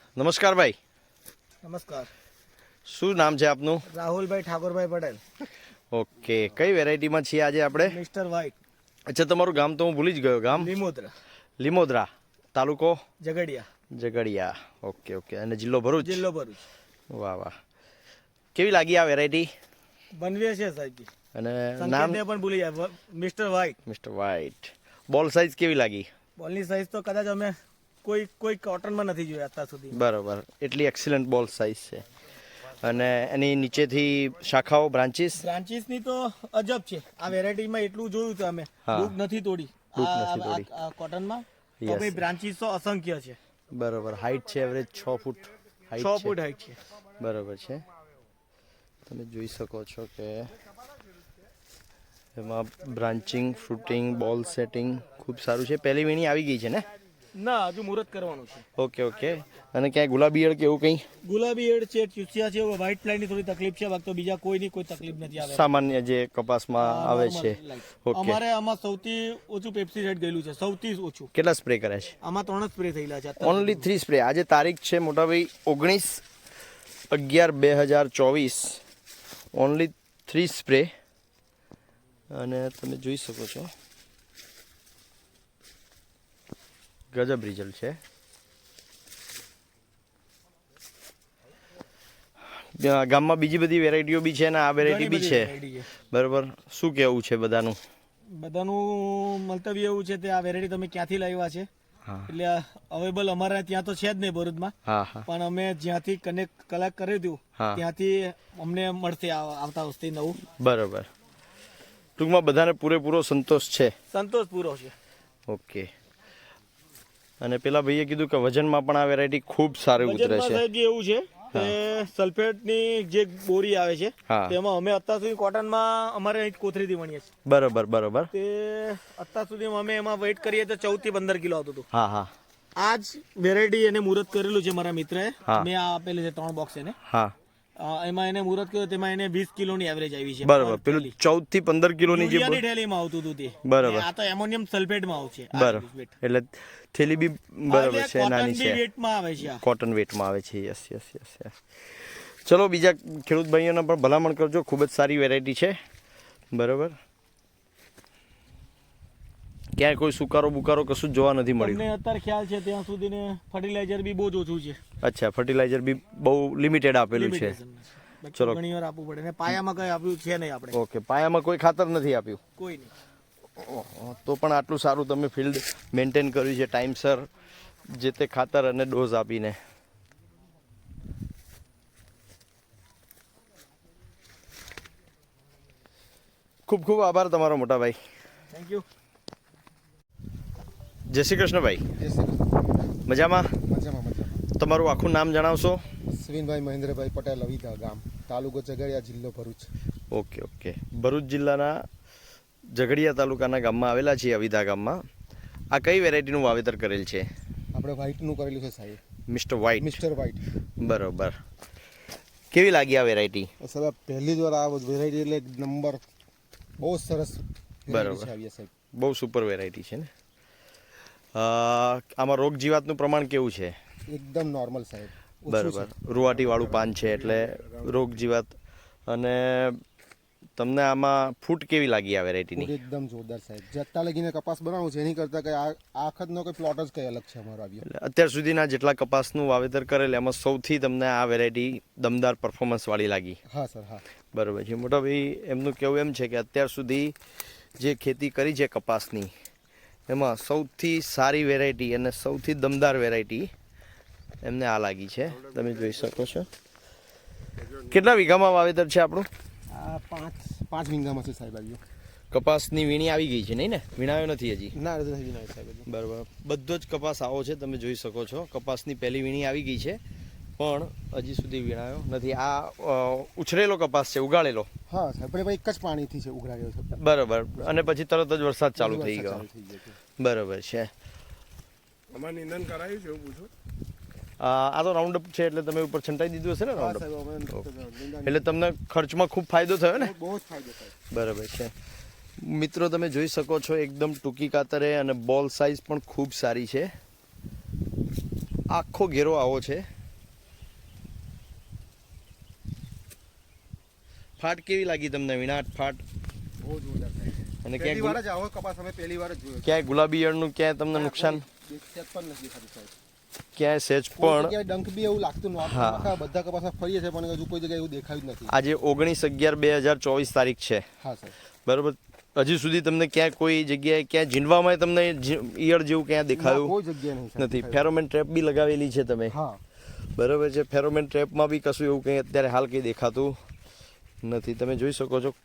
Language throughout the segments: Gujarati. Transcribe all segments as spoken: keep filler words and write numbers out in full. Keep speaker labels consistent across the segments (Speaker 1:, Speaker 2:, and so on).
Speaker 1: નમસ્કાર ભાઈ.
Speaker 2: નમસ્કાર.
Speaker 1: શું નામ છે આપનું?
Speaker 2: રાહુલભાઈ ઠાકોરભાઈ પટેલ.
Speaker 1: ઓકે, કઈ વેરાયટીમાં છીએ આજે આપણે?
Speaker 2: Mister white.
Speaker 1: અચ્છા, તમારું ગામ તો હું ભૂલી જ ગયો. ગામ
Speaker 2: લીમોદરા,
Speaker 1: લીમોદરા, તાલુકો
Speaker 2: ઝઘડિયા,
Speaker 1: ઝઘડિયા. Okay okay. અને જિલ્લો ભરૂચ?
Speaker 2: જિલ્લો ભરૂચ.
Speaker 1: વાહ વાહ. કેવી લાગી આ વેરાયટી?
Speaker 2: બનવે છે સાહેબ.
Speaker 1: અને નામ?
Speaker 2: સંકેતને પણ ભૂલી જાય. Mister white.
Speaker 1: Mister white. Ball size કેવી લાગી?
Speaker 2: બોલની સાઈઝ તો કદાચ અમે કોઈ કોઈ કોટનમાં નથી જોયા અત્યાર સુધી.
Speaker 1: બરાબર, એટલી એક્સિલન્ટ બોલ સાઇઝ છે. અને એની નીચેથી શાખાઓ, બ્રાન્ચીસ?
Speaker 2: બ્રાન્ચીસની તો અજબ છે. આ વેરાયટીમાં એટલું જોયું છે અમે, ડૂબ નથી તોડી
Speaker 1: ડૂબ નથી તોડી.
Speaker 2: આ કોટનમાં. તો
Speaker 1: Yes.
Speaker 2: ભાઈ બ્રાન્ચીસ તો અસંખ્ય છે.
Speaker 1: બરાબર. હાઈટ છે એવરેજ છ ફૂટ હાઈટ
Speaker 2: છ
Speaker 1: છે.
Speaker 2: ફૂટ હાઈટ છે.
Speaker 1: બરાબર છે. તમે જોઈ શકો છો કે એમાં બ્રાન્ચિંગ, ફ્રૂટિંગ, બોલ સેટિંગ ખૂબ સારું છે. પહેલી વીણી આવી ગઈ છે ને?
Speaker 2: ના, હજુ મુહૂર્ત કરવાનું છે.
Speaker 1: Okay okay. અને ક્યાંય ગુલાબી ઈયળ કે એવું કંઈ?
Speaker 2: ગુલાબી એડ છે, ચૂસિયા છે, વ્હાઇટ ફ્લાયની થોડી તકલીફ છે, બાકી તો બીજા કોઈની કોઈ તકલીફ નથી આવે.
Speaker 1: સામાન્ય જે કપાસમાં આવે છે. ઓકે.
Speaker 2: અમારે આમાં સૌથી ઓછું પેપ્સીસાઇડ ગયેલું છે, સૌથી ઓછું.
Speaker 1: કેટલા સ્પ્રે કર્યા છે?
Speaker 2: આમાં ત્રણ જ સ્પ્રે થયેલા છે.
Speaker 1: Only three spray. આજે તારીખ છે મોટાભાઈ ઓગણીસ અગિયાર બે હજાર ચોવીસ. Only three spray. અને તમે જોઈ શકો છો ગજબ રિઝલ્ટ છે. ગામમાં બીજી બધી વેરાયટીઓ બી છે ને આ વેરાયટી બી છે. બરાબર. શું કેવું છે બધાનું?
Speaker 2: બધાનું મંતવ્ય એવું છે કે આ વેરાયટી તમે ક્યાંથી લાવ્યા છે? એટલે અવેલેબલ અમારે ત્યાં તો છે જ નહીં ભરૂચમાં, પણ અમે જ્યાંથી કનેક્ટ કલેક્ટ કર્યું હતું ત્યાંથી અમને મળશે આવતા વર્ષથી નવું.
Speaker 1: બરાબર. ટૂંકમાં બધાને પૂરેપૂરો સંતોષ છે?
Speaker 2: સંતોષ પૂરો છે.
Speaker 1: ઓકે. અને પેલા ભાઈએ કીધું કે વજનમાં પણ આ વેરાયટી ખૂબ સારી ઉતરે છે.
Speaker 2: એવું છે કે સલ્ફેટની જે બોરી આવે છે તેમાં અમે અત્યાર સુધી કોટનમાં અમારે અહીં કોથળીથી વણીએ છીએ.
Speaker 1: બરાબર બરાબર.
Speaker 2: તે અત્યાર સુધી અમે એમાં વેઇટ કરીએ તો ચૌદ થી પંદર કિલો આવતું હતું.
Speaker 1: હા હા.
Speaker 2: આ જ વેરાયટી એને મુહૂર્ત કરેલું છે મારા મિત્રએ. મેં આ આપેલું છે ત્રણ બોક્સ એને.
Speaker 1: હા.
Speaker 2: એમાં એને મુહૂર્ત કર્યું, તેમાં એને વીસ કિલોની એવરેજ આવી છે.
Speaker 1: બરાબર. પેલું ચૌદ થી પંદર કિલોની જે
Speaker 2: થેલીમાં આવતું હતું તે.
Speaker 1: બરાબર.
Speaker 2: આ તો એમોનિયમ સલ્ફેટમાં આવશે.
Speaker 1: બરાબર. એટલે થેલી બી બરાબર છે, નાની છે.
Speaker 2: વેટમાં આવે છે.
Speaker 1: કોટન વેટમાં આવે છે. Yes yes yes yes. ચલો, બીજા ખેડૂત ભાઈઓને પણ ભલામણ કરજો. ખૂબ જ સારી વેરાયટી છે. બરાબર. ક્યાંય કોઈ સુકારો બુકારો કશું જ જોવા નથી મળ્યું.
Speaker 2: તમને અત્યારે ખ્યાલ છે ત્યાં સુધી ને ફર્ટિલાઇઝર બી બહુ જ ઓછું છે.
Speaker 1: અચ્છા, ફર્ટિલાઇઝર બી બહુ લિમિટેડ આપેલું છે.
Speaker 2: ચલો, ઘણી વાર આપવું પડે ને પાયામાં કઈ આપ્યું છે નહીં આપણે.
Speaker 1: ઓકે, પાયામાં કોઈ ખાતર નથી આપ્યું?
Speaker 2: કોઈ નહીં.
Speaker 1: તો પણ આટલું સારું તમે ફિલ્ડ મેન્ટેન કર્યું છે ટાઈમસર જે તે ખાતર અને ડોઝ આપીને. ખૂબ ખૂબ આભાર તમારો મોટા ભાઈ.
Speaker 2: Thank you.
Speaker 1: જય શ્રી કૃષ્ણ ભાઈ.
Speaker 3: જય શ્રી કૃષ્ણ.
Speaker 1: મજામાં?
Speaker 3: મજામાં મજામાં.
Speaker 1: તમારું આખું નામ જણાવશો?
Speaker 3: સવિનભાઈ મહેન્દ્રભાઈ પટેલ, અવિધા ગામ, તાલુકો ઝઘડિયા, જિલ્લો ભરૂચ.
Speaker 1: Okay okay. ભરૂચ જિલ્લાના ઝઘડિયા તાલુકાના ગામમાં આવેલા છીએ, અવિધા ગામમાં. આ કઈ વેરાયટીનું વાવેતર કરેલ છે?
Speaker 3: આપણે વ્હાઇટનું કરેલું છે સાહેબ.
Speaker 1: Mister white.
Speaker 3: Mister white.
Speaker 1: બરોબર. કેવી લાગી આ વેરાયટી?
Speaker 3: સાહેબ પહેલી જ વાર આ વેરાયટી એટલે એક નંબર, બહુ સરસ.
Speaker 1: બરાબર. બહુ સુપર વેરાયટી છે ને. આમાં રોગ જીવાતનું પ્રમાણ કેવું છે?
Speaker 3: એકદમ નોર્મલ સાહેબ.
Speaker 1: બરાબર. રૂવાટી વાળું પાન છે એટલે રોગ જીવાત. અને તમને આમાં ફૂટ કેવી લાગી આ વેરાયટીની?
Speaker 3: એકદમ જોરદાર સાહેબ. જત્તા લગીને કપાસ બનાવું છે એની કરતા કઈ આ આખતનો કોઈ પ્લોટ જ કઈ અલગ છે અમારો આવ્યો.
Speaker 1: અત્યાર સુધીના જેટલા કપાસનું વાવેતર કરેલ એમાં સૌથી તમને આ વેરાયટી દમદાર પરફોર્મન્સ વાળી લાગી?
Speaker 3: હા સર, હા.
Speaker 1: બરાબર છે. મોટા ભાઈ એમનું કહેવું એમ છે કે અત્યાર સુધી જે ખેતી કરી છે કપાસની એમાં સૌથી સારી વેરાયટી અને સૌથી દમદાર વેરાયટી એમને આ લાગી છે. તમે જોઈ શકો છો. કેટલા વીઘામાં વાવેતર છે આપણું?
Speaker 3: આ પાંચ પાંચ વીઘામાં છે સાહેબ આવ્યો.
Speaker 1: કપાસની વીણી આવી ગઈ છે નહીં ને? વીણાયો નથી હજી?
Speaker 3: ના નથી ના સાહેબ.
Speaker 1: બરાબર. બધો જ કપાસ આવો છે, તમે જોઈ શકો છો. કપાસની પહેલી વીણી આવી ગઈ છે પણ હજી સુધી વીણાયો નથી. આ ઉછરેલો કપાસ છે, ઉગાડેલો?
Speaker 3: હા સાહેબ, પણ એક જ પાણીથી છે ઉઘરાડ્યો છે.
Speaker 1: બરાબર. અને પછી તરત જ વરસાદ ચાલુ થઈ ગયો. બરાબર છે.
Speaker 4: અમારે નિંદન કરાયું છે એવું પૂછો?
Speaker 1: આ તો રાઉન્ડ અપ છે એટલે તમે ઉપર છંટાઈ દીધું હશે ને રાઉન્ડ અપ? એટલે તમને ખર્ચમાં ખૂબ ફાયદો થયો ને?
Speaker 3: બહુ જ ફાયદો થાય.
Speaker 1: બરાબર છે. મિત્રો તમે જોઈ શકો છો એકદમ ટૂંકી કાતરે અને બોલ સાઇઝ પણ ખૂબ સારી છે. આખો ઘેરો આવો છે. ફાટ કેવી લાગી તમને વિનાટ ફાટ?
Speaker 3: બહુ જોરદાર સાહેબ.
Speaker 1: અને
Speaker 3: પહેલી વાર
Speaker 1: ક્યાંય
Speaker 3: જ આવો કપાસ અમે પહેલી વાર જ જોયો.
Speaker 1: ક્યાંય ગુલાબી ઈયળનું ક્યાંય તમને નુકસાન
Speaker 3: સેજ પણ નથી દેખાતું સાહેબ.
Speaker 1: ક્યાંય સેજ
Speaker 3: કોઈ
Speaker 1: પણ?
Speaker 3: જગ્યાએ ડંખ બી એવું લાગતું નહોતું.
Speaker 1: હા.
Speaker 3: આખા બધા કપાસમાં ફરીએ છે પણ હજુ કોઈ જગ્યાએ એવું દેખાયું જ નથી.
Speaker 1: આજે ઓગણીસ અગિયાર બે હજાર ચોવીસ તારીખ છે,
Speaker 3: હા સાહેબ.
Speaker 1: બરાબર. હજી સુધી તમને ક્યાંય કોઈ જગ્યાએ ક્યાંય ઝીંડવામાં તમને જી- ઈયળ જેવું ક્યાં
Speaker 3: ના,
Speaker 1: દેખાયું
Speaker 3: કોઈ જગ્યાએ નહીં સાહેબ
Speaker 1: નથી?
Speaker 3: દેખાયું.
Speaker 1: ફેરોમેન ટ્રેપ બી લગાવેલી છે તમે,
Speaker 3: હા.
Speaker 1: બરાબર છે. ફેરોમેન ટ્રેપમાં બી કશું એવું કંઈ અત્યારે હાલ કંઈ દેખાતું નથી. તમે જોઈ શકો છો.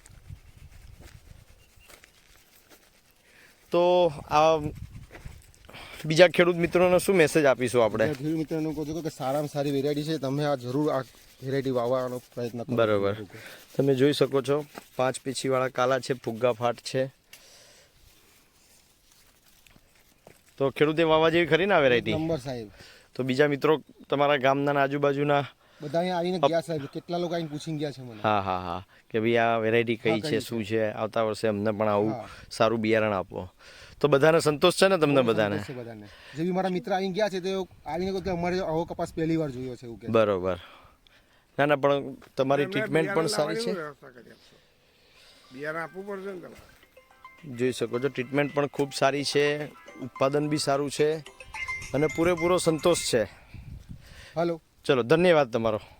Speaker 1: તો આ બીજા ખેડૂત મિત્રોને શું મેસેજ આપીશું આપણે?
Speaker 3: એટલે ખેડૂત મિત્રોને કહું છું કે સારામાં સારી વેરાયટી છે, તમે આ જરૂર આ વેરાયટી વાવવાનો પ્રયત્ન કરો.
Speaker 1: બરાબર. તમે જોઈ શકો છો પાંચ પીછીવાળા કાલા છે, ફુગ્ગા ફાટ છે. તો ખેડૂતે વાવવા જેવી ખરી ને આ વેરાયટી?
Speaker 3: નંબર સાહેબ.
Speaker 1: તો બીજા મિત્રો તમારા ગામના ને આજુબાજુના,
Speaker 3: બધા અહીંયા આવીને ગયા સાહેબ, કેટલા લોકો આવીને પૂછીને ગયા છે મને.
Speaker 1: હા હા હા, કે ભાઈ આ વેરાયટી કઈ
Speaker 3: હા,
Speaker 1: છે,
Speaker 3: કઈ
Speaker 1: શું છે, આવતા વર્ષે અમને પણ આવું
Speaker 3: હા.
Speaker 1: સારું બિયારણ આપો. તો બધાને સંતોષ છે ને તમને બધાને?
Speaker 3: સંતોષ છે બધાને. જે બી મારા મિત્ર આવીને ગયા છે તે આવીને કહ્યું કે અમારે આવો કપાસ પહેલી વાર જોયો છે એવું કે.
Speaker 1: બરોબર. ના ના, પણ તમારી
Speaker 4: એમને
Speaker 1: ટ્રીટમેન્ટ પણ
Speaker 4: બિયારણ
Speaker 1: સારી છે.
Speaker 4: લાવવાની વ્યવસ્થા કરી આપશો. બિયારણ આપવું પડશે ને તમારે.
Speaker 1: જોઈ શકો છો ટ્રીટમેન્ટ પણ ખૂબ સારી છે, ઉત્પાદન બી સારું છે અને પૂરેપૂરો સંતોષ છે.
Speaker 3: હાલો.
Speaker 1: ચલો, ધન્યવાદ તમારો.